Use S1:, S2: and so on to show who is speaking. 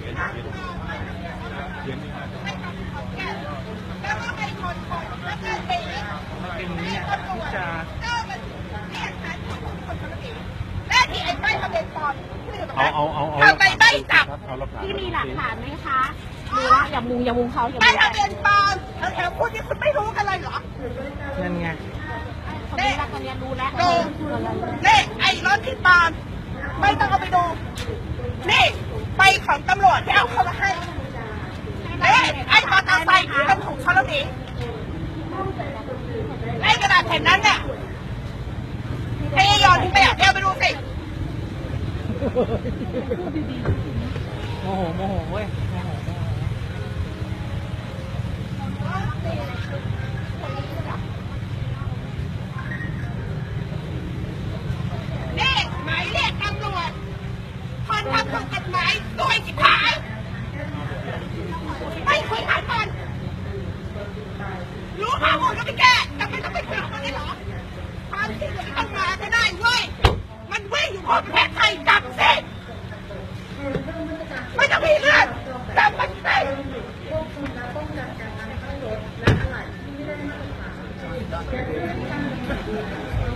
S1: แล้วก็ให้คนแล้วก็เองเป็นเนี่ยที่จะและที่ไอ้ใบทะเบียนปลอมทำไมไม่จับ
S2: ที่มีหลักฐานไหมคะดูละอย่ามุงเขาอย่า
S1: ใบ
S2: มุง
S1: ทะเบียนปลอมแถวคุณนี่คุณไม่รู้กันเลยเหรอ
S3: นั่นไง
S2: คนนี้ละคนนี้รู้แล้ว
S1: ดูนี่ไอ้รถที่ปลอมไม่ต้องเอาไปดูนี่ไปของตำรวจที่เอาเข้ามาให้ไอ้มอเตอร์ไซค์ที่มันถูกชนแล้วหนีไอ้กระดาษแผ่นนั้นเนี่ยเทยอนทิ้งไปอ่ะเดี๋ยวไปดูสิ
S3: โมโหเว้ย
S1: นี่หมายเรียกตำรวจคนทำถูกกฎหมายตัวจิ๋หายไม่คุยหายมันรู้ข้อมูลก็ไม่แก้จำเป็นต้องไปคุยกับมันได้เหรอความจริงมันต้องมาก็ได้เว้ยมันวิ่งอยู่บนประเทศไทยจับสิไม่ต้องมีเรื่องจับมันสิป้องกันการนำเข้ารถและอะไหล่ที่ไม่ได้มาตรฐาน